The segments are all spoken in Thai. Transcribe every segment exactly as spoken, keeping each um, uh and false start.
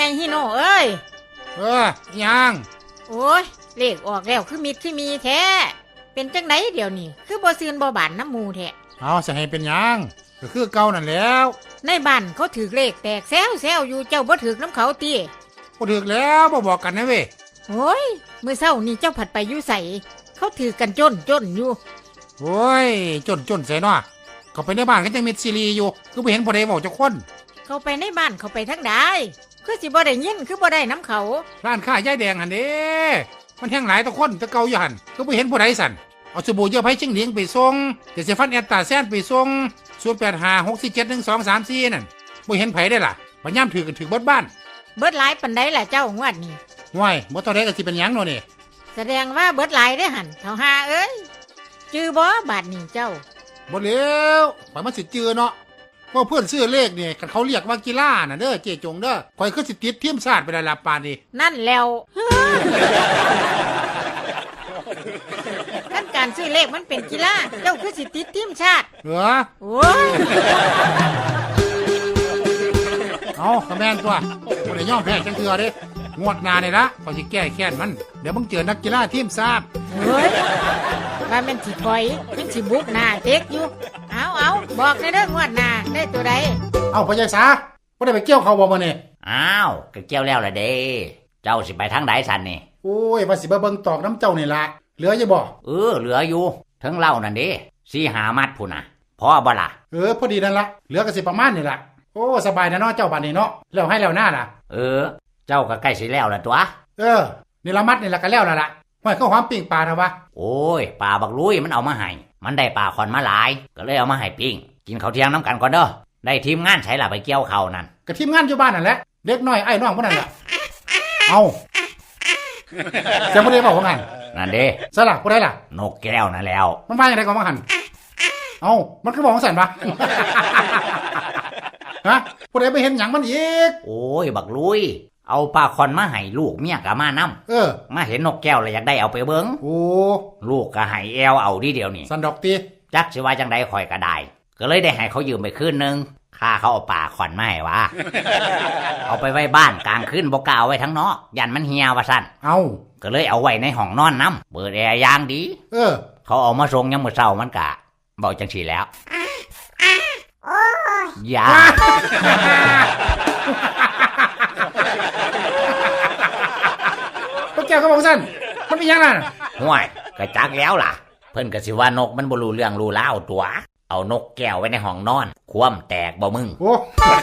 ฮิโน่เอ้ยเออยังโอ้ยเลขออกแล้วคือมิดคือมีแท้เป็นจังไดเดี๋ยวนี้คือบ่ซื่นบ่บานน้ำมูแท้เอาจะให้เป็นยังก็คือเก่านั่นแล้วในบ้านเขาถือเลขแตกแซวแซวอยู่เจ้าบ่ถือน้ำเขาตีบ่ถือแล้วบ่บอกกันนะเว้ยโอ้ยเมื่อเช้านี่เจ้าผัดไปอยู่ใส่เขาถือกันจนจนอยู่โอ้ยจนจนใส่เนาะเขาไปในบ้านก็ยังมีซีรีอยู่คือบ่เห็นบ่ได้บอกจักคนเขาไปในบ้านเขาไปทั้งใดคือสิบ่ได้ยินคือบ่ได้น้ำเขาร้านค้ายายแดงหั่นเด้มันแห้งหลายตะคนตะเกาอยู่หั่นก็บ่เห็นผู้ใดสั่นเอาสบู่เยื่อไผ่ชิงเหลียงไปส่งเดี๋ยวสิฟันแอตตาแซนไปส่งศูนย์ แปด ห้า หก สี่ เจ็ด หนึ่ง สอง สาม สี่นั่นบ่เห็นไผได้ล่ะบ่ย่ำถือกันถือเบิดบ้านเบิดหลายปานใดล่ะเจ้างวดนี้ห่วยบ่เท่าใดก็สิเป็นหยังเนาะนี่แสดงว่าเบิดหลายเด้อหั่นเฒ่าหาเอ้ยจื้อบ่บาดนี้เจ้าบ่แล้วข่อยมันสิจื้อเนาะว่าเพื่อนซื้อเลขนี่กันเขาเรียกว่ากีฬาน่ะเด้อเจ๊จงเด้อข่อยคือสิติดทีมชาติไปได้ล่ะปานนี้นั่นแล้วขั้นการซื้อเลขมันเป็นกีฬาเจ้าคือสิติดทีมชาติเหรอโอ้ยเอาคอมเมนต์ตัวบ่ได้ยอมแพ้จังเทื่อเด้งวดหน้านี่ละข่อยสิแก้แค้นมันเดี๋ยวมึงเจอนักกีฬาทีมชาติเฮ้ยว่ามันสิถอยยังสิบุกหน้าเต็กอยู่เอาเอาบอกในเรื่องงวดหน้าได้ตัวใดเอาพ่อใหญ่สาบ่ได้ไปเกี่ยวเขาบ่มื้อนี้อ้าวก็เกี่ยวแล้วล่ะเด้เจ้าสิไปทางใดซั่นนี่โอ้ยว่าสิมาเบิ่งตอกน้ำเจ้านี่ล่ะเหลืออยู่บ่เออเหลืออยู่ทั้งเล่านั่นเด้สี่ห้ามัดพุ่นน่ะพอบ่ล่ะเออพอดีนั่นล่ะเหลือก็สิประมาณนี่ล่ะโอ้สบายนะเนาะเจ้าบัดนี้เนาะแล้วให้แล้วหน้าล่ะเออเจ้าก็ใกล้สิแล้วล่ะตัวเออนี่ละมัดนี่ล่ะก็แล้วล่ะล่ะห้อยข้าวหอมปิ้งปลาน่ะวะโอ้ยปลาบักลุยมันเอามาให้มันได้ปลาขอนมาหลายก็เลยเอามาให้ปิ้งกินข้าวเที่ยงน้ำกันก่อนเด้อได้ทีมงานใช้ล่ะไปเกี่ยวข้าวนั่นก็ทีมงานอยู่บ้านนั่นแหละเด็กน้อยไอ้น้องพวกนั้นล่ะเอาจะบ่ได้บอกว่างั้นนั่นเด้ซะล่ะบ่ได้ล่ะนกแก้วนั่นแล้วมันว่าจังได๋ก็ว่าหั่นเอ้ามันคือบอกว่าซั่นวะฮะบ่ได้ไปเห็นหยังมันอีกโอ้ยบักลุยเอาปลาคอนมาให้ลูกเมียก็มานำเออมาเห็นนกแก้วแล้วอยากได้เอาไปเบิ่งโอ้ลูกก็ให้แอวเอาดีเดียวนี่สันดอกติจักสิว่าจังได๋ข่อยก็ได้ก็เลยได้ให้เขายืมไปคืนนึงค่าเขาเอาปลาคอนมาให้ว่าเอาไปไว้บ้านกลางคืนบ่กล้าเอาไว้ทั้งนอกยันมันเหี่ยวว่าซั่นเอ้าก็เลยเอาไว้ในห้องนอนนำเปิดแอร์อย่างดีเออเขาเอามาส่งยามมื้อเช้ามันก็บอกจังซี่แล้วโอ้ยยาพวกแกก็บอกซั่นมันเป็นหยังล่ะห่วยก็จักแล้วล่ะเพิ่นก็สิว่านกมันบ่รู้เรื่องรู้ราวตัวเอานกแก้วไว้ในห้องนอนคว่ำแตกบ่มึงโอ้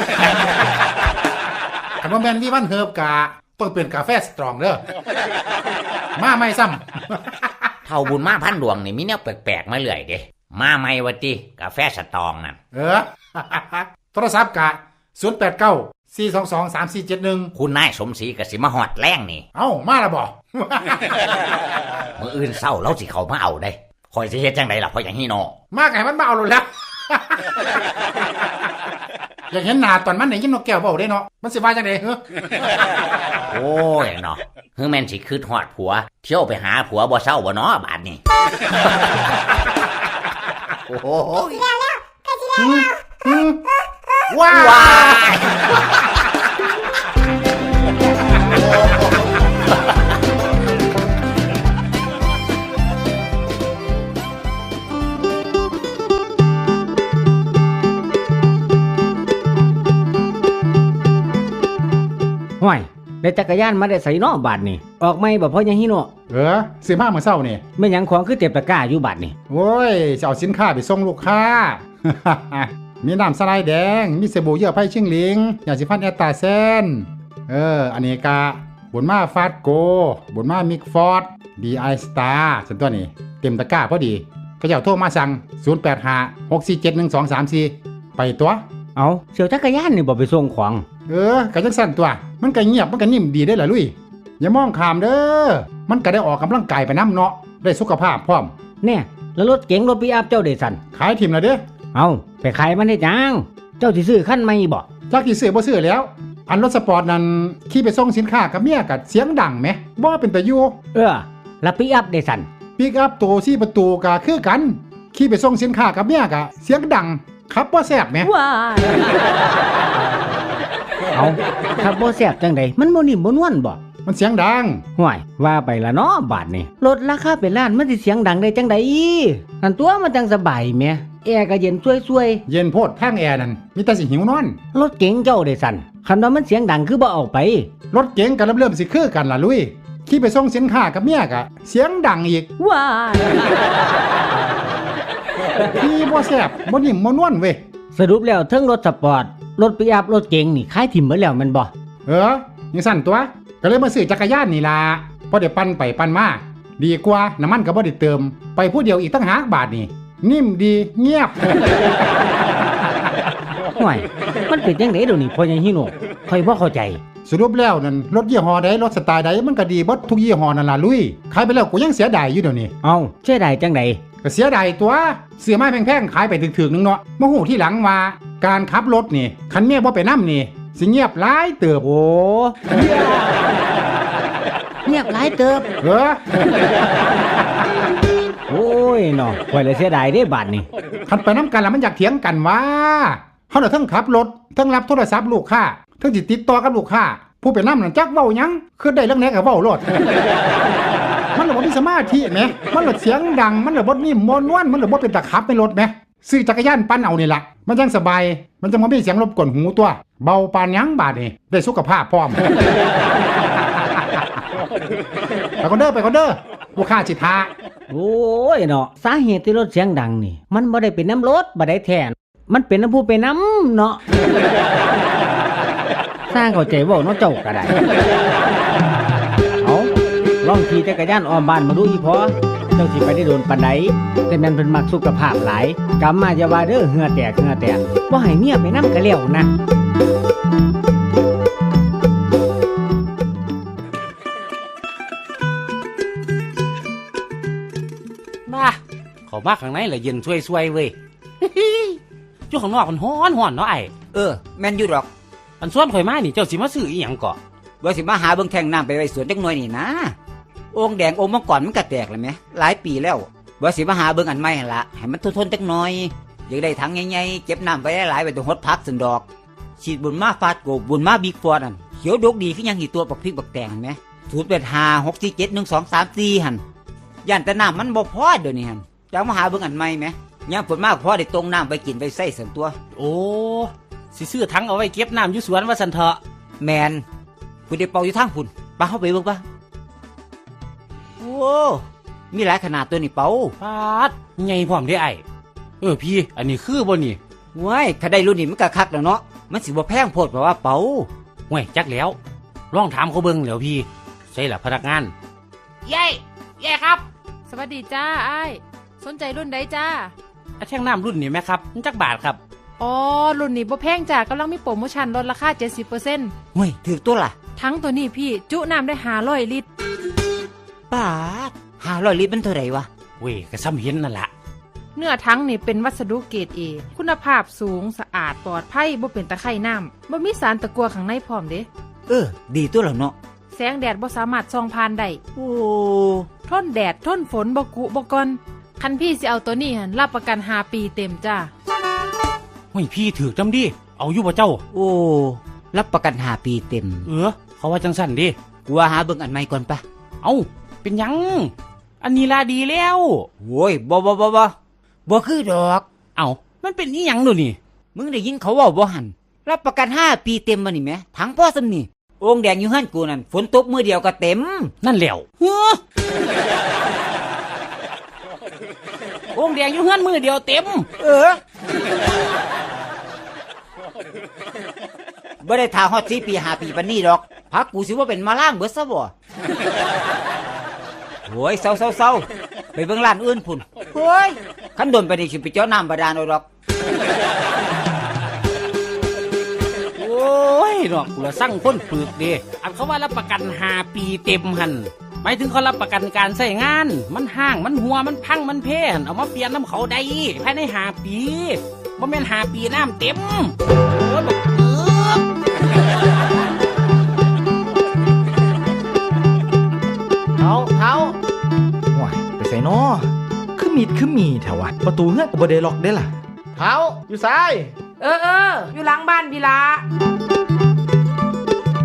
คันว่าแม่นวิวันเฮิบกะต้องเป็นกาแฟสตรองเด้อมาใหม่ซ้ำเท่าบุญมาพันดวงนี่มีแนวแปลกๆมาเรื่อยเด้มาใหม่ว่าติกาแฟสตรองนั่นเออโทรศัพท์กะศูนย์ แปด เก้า สี่ สอง สอง สาม สี่ เจ็ด หนึ่งคุณนายสมศรีก็สิมาฮอดแรงนี่เอ้ามาแล้วบ่มื้ออื่นเช้าเราสิเข้ามาเอาได้ข่อยสิเฮ็ดจังได๋ล่ะเพราะหยังฮีโนมาไงมันมาเอาโลดแล้วอยากเห็นหน้าตอนมันได้ยินนกแก้วเว้าได้เนาะมันสิว่าจังได๋เฮ้อโอ้ยเนาะคือแม่นสิคิดฮอดผัวเที่ยวไปหาผัวบ่เช้าบ่เนาะบาดนี้โอ้โหแล้วแล้วก็สิได้ว้าวห้วยได้จักรยานมาได้ใส่น้อบาดนี่ออกไม่บ่พอยังฮิโนเออสิมาเมื่อเช้านี่แม่นหยังของคือเต็มตะกร้าอยู่บาดนี่โอ้ยจะเอาสินค้าไปส่งลูกค้ามีน้ำสไลด์แดงมีสบู่เยื่อไผ่ชิงหลิงยาสีฟันแอตตาเซนเอออันนี้กะบุญมาฟาดโกบุญมามิกฟอร์ดดีไอสตาร์สันตัวนี้เต็มตะกร้าพอดีก็จะโทรมาสั่งศูนย์ แปด ห้า หก สี่ เจ็ด หนึ่ง สอง สาม สี่ไปตัวเอาเสี่ยวจักรยานนี่บ่ไปส่งของเออก็จังสั่นตัวมันก็เงียบมันก็นิ่มดีได้ล่ะลุยอย่ามองข้ามเด้อมันก็ได้ออกกำลังกายไปนำเนาะได้สุขภาพพร้อมแน่แล้วรถเก๋งรถปิกอัพเจ้าได้สั่นขายถิ่มแล้วเด้อเอาไปขายมันเฮ็ดหยังเจ้าสิซื้อคันใหม่บ่จักสิซื้อบ่ซื้อแล้วอันรถสปอร์ตนั้นขี่ไปส่งสินค้ากับเมียก็เสียงดังแหมบ่เป็นตาอยู่เออแล้วปิกอัพได้สั่นปิกอัพตัวสี่ประตูก็คือกันขี่ไปส่งสินค้ากับเมียก็เสียงดังขับบ่แซ่บแหมว้าเอาถ้าบ่แซ่บจังใดมันบ่นิ่มบ่นวลบ่มันเสียงดังห่วยว่าไปละเนาะบาทนี่รถราคาเป็นล้านมันสิเสียงดังได้จังใดนั่นตัวมันจังสบายแหมแอร์ก็เย็นช่วยเย็นโพดทางแอร์นั่นมีแต่สิหิวนอนๆรถเก๋งเจ้าได้สั่นคันว่ามันเสียงดังคือบ่เอาไปรถเก๋งก็เริ่มสิคือกันล่ะลุยขี่ไปส่งสินค้ากับเมียกะเสียงดังอีกว้ายขี่บ่แซ่บบ่นิ่มบ่นวลเว้ยสรุปแล้วเทั้งรถสปอร์ตรถปิกอัพรถเก๋งนี่ขายถิ่มหมดแล้วแม่นบ่เออยังสั่นตัวก็เลยมาซื้อจักรยานนี่ล่ะพอได้ปั่นไปปั่นมาดีกว่าน้ำมันก็บ่ได้เติมไปผู้เดียวอีกตั้งหากบาทนี่นิ่มดีเงียบห่วยมันเป็นจังไดเดี๋ยวนี้พ่อใหญ่ฮิโนะค่อยบ่เข้าใจสรุปแล้วนั่นรถยี่ห้อใดรถสไตล์ใดมันก็ดีเบิดทุกยี่ห้อนั่นล่ะลุยขายไปแล้วกูยังเสียดายอยู่เดี๋ยวนี้เอ้าเสียดายจังไดก็เสียดายตัวเสื้อไม้แพงๆขายไปถึกๆนึงเนาะมาหูที่หลังว่าการขับรถนี่คันเมียบ่ไปนำนี่สิเงียบหลายเติบโอ้เงียบหลายเติบเออโอ้ยเนาะข่อยเลยเสียดายเด้บาดนี่คันไปน้ำกันแล้วมันอยากเถียงกันว่าเฮาน่ะทั้งขับรถทั้งรับโทรศัพท์ลูกค้าทั้งสิติดต่อกับลูกค้าผู้ไปนำนั่นจักเว้าหยังคือได้เรื่องไหนก็เว้าโลด มันเลยบ่มีสมาธิแหมมันเลยเสียงดังมันเลยบ่นิ่มบ่นวลมันเลยบ่เป็นตะขับในรถแหมซื้อจักรยานปั่นเอานี่ล่ะมันจังสบายมันจังบ่มีเสียงรบกวนหูตัวเบาปานหยังบาดนี่ได้สุขภาพพร้อม ไปก่อนเด้อไปก่อนเด้อลูกค้าสิท่าโอ้ยเนาะสาเหตุที่รถเสียงดังนี่มันบ่ได้เป็นน้ำรถบ่ได้แท้มันเป็นน้ำผู้ไปน้ำเนาะ สร้างเข้าใจเว้าเนาะเจ้าก็ได้เอาลองขี่จักรยานอ้อมบ้านมาดูอีพอเจ้าสิไปได้โดนปานใดแต่แม่นเพิ่นมักสุขภาพหลายกำมาอย่าว่าเด้อเหงื่อแตกเหงื่อแตกบ่ให้เมียไปนำก็แล้วนะมาเขามาข้างในแหละเย็นช่วยๆเว้ย อยู่ข้างนอกมันฮ้อนฮ้อนเนาะไอ้เออแม่นอยู่ดอกอันส่วนข่อยมานี่เจ้าสิมาซื้ออีหยังก่อว่าสิมาหาเบิ่งแท่งน้ำไปไว้สวนจักหน่อยนี่นะโอ่งแดงโอ่งมังกรมันก็แตกแล้วแหมหลายปีแล้วว่าสิมาหาเบิ่งอันใหม่หั่นละให้มันทนๆจักหน่อยอยากได้ถังใหญ่ๆเก็บน้ำไว้หลายๆไว้ตรงฮดพักสันดอกฉีดบุญมาฟาดโกบบุญมาบิ๊กฟอร์ดนั่นเขียวดกดีคือยังหีตัวปักพริกปักแตงเห็นไหมศูนย์แปดห้าหกสี่เจ็ดหนึ่งสองสามสี่หั่นย่านแต่น้ำมันบ่พอเดี๋ยวนี้หั่นจะมาหาเบิ่งอันใหม่ไหมยามฝนมากพอได้ตรงน้ำไปกินไปใส่ส่วนตัวโอ้สิซื้อถังเอาไว้เก็บน้ำอยู่สวนว่าซั่นเถาะแมนผู้ได้เป่าอยู่ทางพุ่นปาเข้าไปเบิ่งปะโอ้มีหลายขนาดตัวนี่เป่าปาดใหญ่พร้อมเด้ไอ้เออพี่อันนี้คือบ่นี่ว้ายถ้าได้รุ่นนี้มันก็คักแล้วเนาะมันสิบ่แพงโพดเพราะว่าเป่าห่วยจักแล้วลองถามเขาเบิ่งแล้วพี่ใช่ล่ะพนักงานเย้เย้ครับสวัสดีจ้าไอ้ายสนใจรุ่นใดจ้าอาแท่งน้ำรุ่นนี้ไหมครับมันจักบาทครับอ๋อ รุ่นนี้บ่แพงจ้ากำลังมีโปรโมชั่นลดราคา เจ็ดสิบเปอร์เซ็นต์เฮ้ยถือตัวล่ะทั้งตัวนี้พี่จุน้ำได้ห้าร้อยลิตรปาดห้าร้อยลิตรมันเท่าไหร่วะเว้ยก็ซ้ำเห็นนั่นล่ะเนื้อทั้งนี่เป็นวัสดุเกรดเอคุณภาพสูงสะอาดปลอดภัยบ่เป็นตะไคร่น้ำบ่มีสารตะกั่วข้างในพร้อมเด้เออ ดีตัวแล้วเนาะแสงแดดบ่สามารถส่องผ่านได้โอ้ทนแดดทนฝนบ่กุบ่กอนคันพี่สิเอาตัวนี้หั่นรับประกันห้าปีเต็มจ้าห่วยพี่ถือจำดิเอาอยู่บ่เจ้าโอ้รับประกันห้าปีเต็มเออเขาว่าจังสั่นดิกูว่าหาเบิ่งอันใหม่ก่อนปะเอาเป็นหยัง อันนี้ลาดีแล้วโว้ยบ่บ่บ่บ่บ่คือดอกเอามันเป็นอีหยังดูนี่มึงได้ยินเขาเว่าบ่หันรับประกันห้าปีเต็มมานี่แหมถังพ่อซำนี่โอ่งแดงอยู่หั่นกูนั่นฝนตกมือเดียวก็เต็มนั่นแหล้วเฮ้อโอ่งแดงอยู่เฮือนมือเดียวเต็มเออบ่ได้ทาฮอดสี่ปีห้าปีปานนี้ดอกพักกูสิว่าเป็นมาล่างเบิดซะบ่โอ้ยเศร้าๆๆไปเบิ่งร้านอื่นพุ่นโอ้ยคันโดนไปนี่สิไปเจาะน้ำบาดาลเอาดอกโอ้ยดอกกูละสั่งคนปึกเด้อันเขาว่ารับประกันห้าปีเต็มหันหมายถึงเขารับประกันการใช้งาน มันห่างมันหัวมันพังมันเพ่นเอามาเปลี่ยนน้ำเขาได้ภายในห้าปีบ่แม่นห้าปีน้ำเต็มโอ้ยบักเอิบเท้าเท้าว้ายไปใส่นอคือมีดคือมีแถวะประตูเงื่อนกับบเดล็อกได้ล่ะเท้าอยู่ซ้ายเออเอออยู่หลังบ้านพี่ละ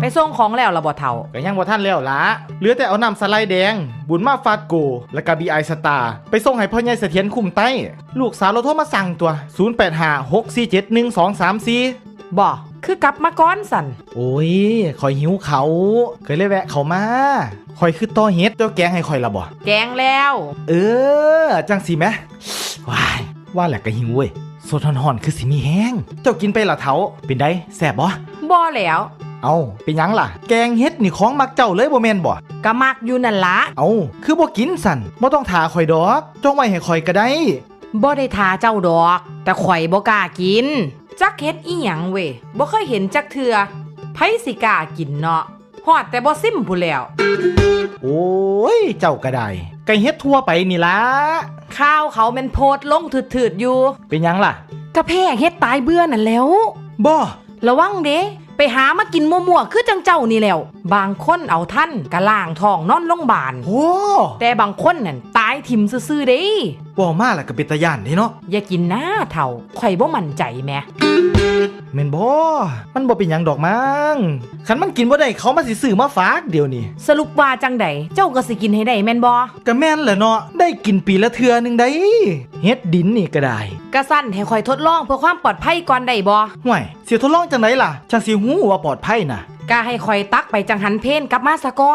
ส่งของแล้วล่ะบ่เฒ่าก็ยังบ่ทันแล้วล่ะเหลือแต่เอาน้ำสไลด์แดง บุญมาฟาดโก แล้วก็ บี ไอ สตาร์ไปส่งให้พ่อใหญ่เสถียรคุมไต้ลูกสาวเราโทรมาสั่งตัวศูนย์ แปด ห้า หก สี่ เจ็ด หนึ่ง สอง สาม สี่บ่คือกลับมาก่อนสั่นโอ้ยข่อยหิวเขาเคยเลยแวะเขามาข่อยคือต่อเฮ็ดเจ้าแกงให้ข่อยละบ่แกงแล้วเออจังสิแมว้ายว่าแหละก็หิวเว้ยสดห่อนๆคือสิมีแห้งเจ้ากินไปละเถาเป็นได้แซ่บบ่บ่แล้วเอาเป็นหยังล่ะแกงเฮ็ดนี่ของมักเจ้าเลยบ่แม่นบ่ก็มักอยู่นั่นละเอาคือบ่กินสั่นบ่ต้องถาข่อยดอกจงไว้ให้ข่อยก็ได้บ่ได้ทาเจ้าดอก แต่ข่อยบ่กล้ากินจักเฮ็ดอีหยังเว้ยบ่เคยเห็นจักเทื่อไผสิกล้ากินเนาะฮอดแต่บ่ซิมพู้นแล้วโอ้ยเจ้าก็ได้ไก่เฮ็ดทั่วไปนี่ล่ะข้าวเขาแม่นโพดลงถืดๆอยู่เป็นหยังล่ะกระแพงเฮ็ดตายเบื่อนั่นแหล้วบ่ระวังเด้ไปหามากินมั่วๆคือจังเจ้านี่แหล้วบางคนเอาท่านกะล่างท้องนอนโรงพยาบาลโอ้แต่บางคนนั่นตายถิ่มซื่อๆเด้บ่มาล่ะก็เป็นตาย่านเด้เนาะอย่ากินหน้าเถ่าข่อยบ่มั่นใจแหมแม่นบ่มันบ่เป็นหยังดอกมั้งคันมันกินบ่ได้เขามาสิซื้อมาฝากเดี๋ยวนี้สรุปว่าจังใดเจ้าก็สิกินให้ได้แม่นบ่ก็แม่นแหละเนาะได้กินปีละเทื่อหนึงได้เฮ็ดดินนี่ก็ได้กะสั่นให้ข่อยทดลองเพื่อความปลอดภัยก่อนได้บ่ห่วยสิทดลองจังไดล่ะจังสิฮู้ว่าปลอดภัยน่ะกะให้ข่อยตักไปจังหันเพนกลับมาซะก่อน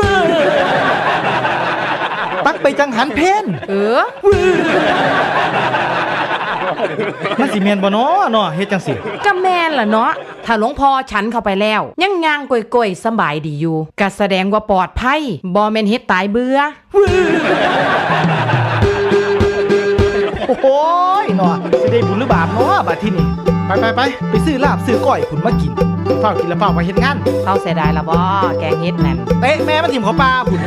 ตักไปจังหันเพนเออมันสิแม่นบ่เนาะเนาะเฮ็ดจังสิก็แม่นล่ะเนาะถ้าหลวงพ่อฉันเข้าไปแล้วยังย่างก่อยๆสบายดีอยู่ก็แสดงว่าปลอดภัยบ่แม่นเฮ็ดตายเบื่อโอ้ยเนาะสิได้บุญหรือบาปเนาะบัดทีนี้ไปไปไปไปซื้อลาบซื้อก้อยพุ่นมากินเฝ้ากินแล้วเฝ้าไปเฮ็ดงานเขาเสียดายละบ่แกงเฮ็ดนั่นเตะแม่มันถิ่มเขาปลาพุ่น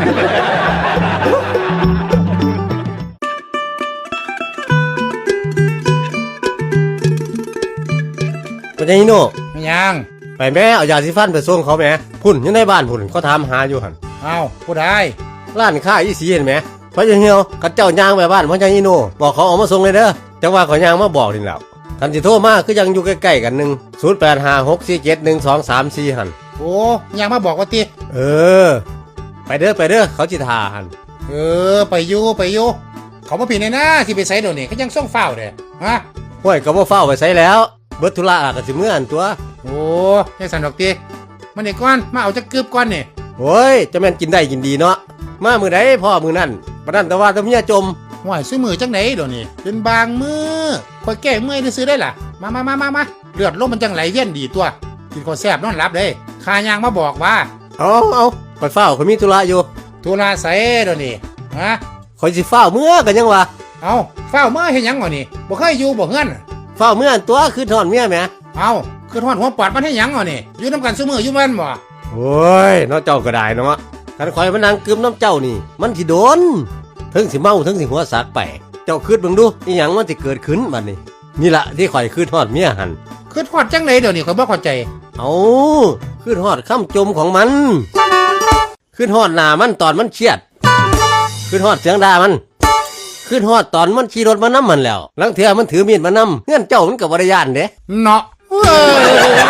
ปัญญาฮิโน่ไม่ยังไปแม่เอายาสีฟันไปส่งเขาแม่พุ่นอยู่ในบ้านพุ่นเขาถามหาอยู่หันเอ้าผู้ใดร้านค้าอีสีเห็นไหมพระเจ้าเหี่ยวกับเจ้าย่างไปบ้านพระเจ้าฮิโน่บอกเขาเอามาส่งเลยเด้อจังว่าเขาย่างมาบอกนี่แล้วทันสิโทรมาคือยังอยู่ใกล้ๆกันหนึ่งศูนย์แปดห้าหกสี่เจ็ดหนึ่งสองสามสี่หันโอ้ยังมาบอกว่าติเออ ไปเด้อไปเด้อเขาจิทาหันเออไปอยู่ไปอยู่เขามาผิดในหน้าที่ไปใส่เดี๋ยวนี้เขายังส่งเฝ้าเด้ฮะห้วยก็บ่เฝ้าไปใส่แล้วเบิดธุระก็สิเมื่ออันตัวโอ้ยังสันดอกติมันนี่ก้อนมาเอาจักกึบก้อนนี่โอ้ยจะแม่นกินได้กินดีเนาะมามือใดพ่อมือนั่นประนั่นแต่ว่าแตะเมียจมห่วยซื้อมือจังไหนเดี๋ยวนี้เป็นบางมือคอยแก้เมื่อยได้ซื้อได้ล่ะมามามามามาเลือดลมมันจังไหลเวียนดีตัวกินข้าวแซ่บนอนหลับเลยขายางมาบอกว่าเอาเอาคอยเฝ้าคอยมีธุระอยู่ทุลาใส่เดี๋ยวนี้ฮะคอยสิเฝ้าเมื่อกันยังวะเอาเฝ้าเมื่อเห็นยังวะนี่บ่เคยอยู่บ่เฮือนเฝ้าเมื่ออันตัวคือถอนเมียแหมเอาคือทอดหัวปอดมันให้หยังวะนี่อยู่น้ำกันซุมืออยู่มันบ่โอ้ยน้องเจ้าก็ได้เนาะกันคอยมานั่งกึมน้ำเจ้านี่ มันสิโดนถึงสิเมาถึงสิหัวสักไปเจ้าคืดเบิ่งดูอีหยังมันสิเกิดขึ้นบัดนี้นี่ละที่ข่อยคืดทอดเมียหันคือทอดจังไหนเดี๋ยวนี้ข่อยบ่เข้าใจเอาคืดทอดคำจมของมันคืดทอดหน้ามันตอนมันเครียดคืดทอดเสียงด่ามันคืดทอดตอนมันขี่รถมานำมันแล้วลังเทื่อมันถือมีดมานำเงื่อนเจ้ามันก็บ่ได้ย่านเด้เนาะเว้ย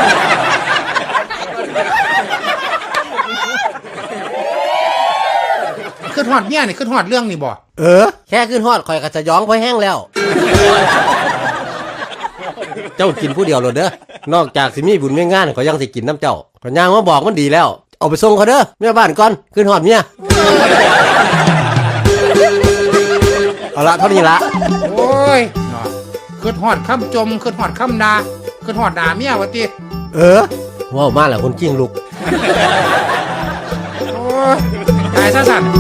คือทอดเมียนี่คือทอดเรื่องนี่บ่เออแค่คืดทอดข่อยก็จะย้องพอแห้งแล้ว เจ้ากินผู้เดียวโลดเด้อนอกจากสิมีบุญมีงานเขายังสิกินน้ำเจ้าขอยย่างมาบอกมันดีแล้วเอาไปส่งเขาเด้อแม่บ้านก่อนขึ้นหอดเมีย เอาละเท่านี้ละโอ้ยเนาะคือทอดคำจมคือทอดคำดาคือทอดด่าเมียวะติเออว้าวมาแล้วคนกิ้งลูกโอ้ยตายซะสั่น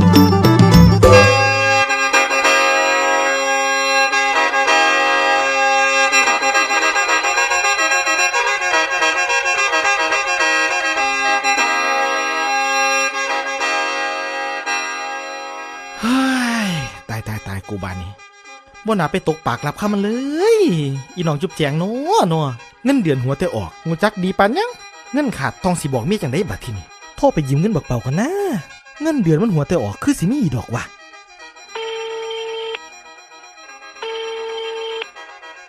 เฮ้ยตายตายตายกูบานนี้บ่น่าไปตกปากรับคำมันเลย อีน้องจุบแจงเนาะเนาะเงินเดือนหัวแต่ออกงูจักดีปานยังเงินขาดทองสิบอกเมียจังได้บัดทีนี้โทรไปยืมเงินบักเป่ากันนะเงินเดือนมันหัวแต่ออกคือสิมีอีดอกว่ะ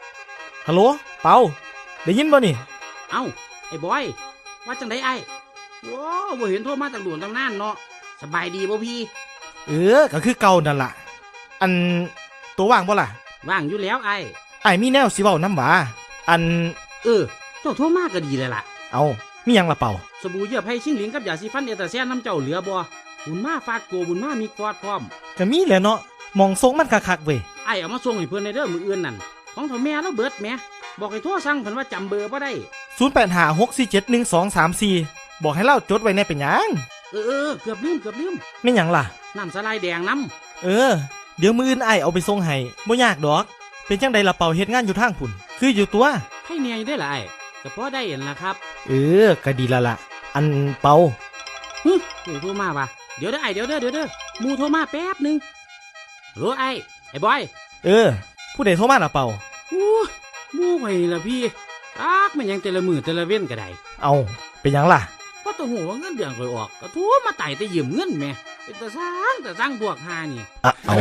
ฮัลโหลเป่าได้ยินบ่นี่เอ้าไอ้บอยว่าจังไดไอ้โอ้บ่เห็นโทรมาตั้งโดนตั้งนานเนาะสบายดีบ่พี่เออก็คือเก่านั่นล่ะ อันตัวว่างบ่ล่ะว่างอยู่แล้วไอ้ไอ้ายมีแนวสิเว้านำหว่าอันเออเจ้าโทรมาก็ดีเลยล่ะเอามีหยังล่ะเป่าสบู่เยื่อไผ่ชิงหลิงกับยาสีฟันเอเตอร์แซนน้ำเจ้าเหลือบ่บุญมาฟาดโกบุญมามีกอดพร้อมก็มีแหละเนาะมองทรงมันคักๆเว้ยไอ้เอามาส่งให้เพื่อนในเด้อมืออื่นนั่นของเถ่าแม่แล้วเบิดแหม่บอกให้โทรสั่งเพิ่นว่าจำเบอร์บ่ได้ศูนย์แปดห้า หกสี่เจ็ด หนึ่งสองสามสี่ บอกให้เล่าจดไว้ในเป็นหยังเออเออเกือบลืมเกือบลืมไม่หยังล่ะน้ำสไลด์แดงน้เออ เดี๋ยวมืออื่นไอ้ายเอาไปส่งให้บ่ยากดอก เป็นจังใดล่ะเป่าเฮ็ดงานอยู่ทางพุ่นคืออยู่ตัวำให้เนียอยู่ได้อล่ะไอ้ก็พอได้เห็นละครับเออก็ดีและล่ะ อันเป่าฮึเดี๋ยวโทรมาว่ะเดี๋ยวเด้อไอ้เดี๋ยวเด้อเดี๋ยวเด้อหมูโทรมาแป๊บหนึงโหลไอ้ไอ้บอยเออ ผู้ใดโทรมาล่ะเป่าอู้หมูไปละพี่อักมันยังแต่ละมือแต่ละเว้นก็ได้เอาเป็นหยังล่ะเพราะตัวหัวว่าเงินเดือนค่อยออกก็โทรมาไต่แต่ยืมเงินแหม่เป็นตาสร้างแต่สร้างพวกหานี่อะเอา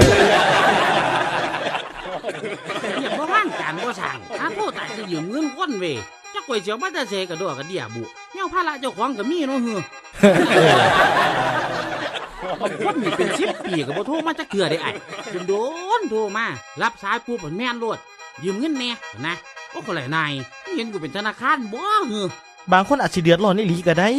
เรียกว่าว่างการบ่สั่งหาโทษตายจะยืมเงินคนเว้ยจักก๋วยเสียวมาแต่เซกระดอกกระเดียบุแนวภาระเจ้าของก็มีเนาะเฮือบางคนนี่เป็นสิบปีก็บ่โทรมาจักเทื่อได้ไอ้โดนๆโทรมารับสายปุ๊บมันแม่นโลดยืมเงินแน่นะโอ้คนไหลนายเห็นกูเป็นธนาคารบ่เฮือบางคนอาจสิเดือดร้อนอีหลีก็ได้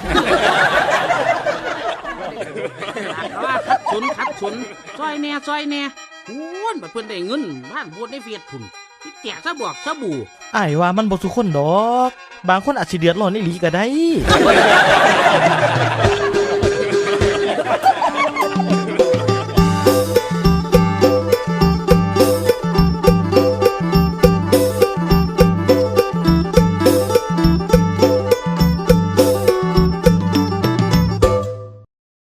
ว่าคัดสนคัดสนซอยแน่ซอยแน่โอ้ยบัดเพิ่นได้เงินบ้านโพดในเฟซพุ่นที่แจกซะบอกซะบู่อ้ายว่ามันบ่ทุกคนดอก บางคนอาจสิเดือดร้อนอีหลีก็ได้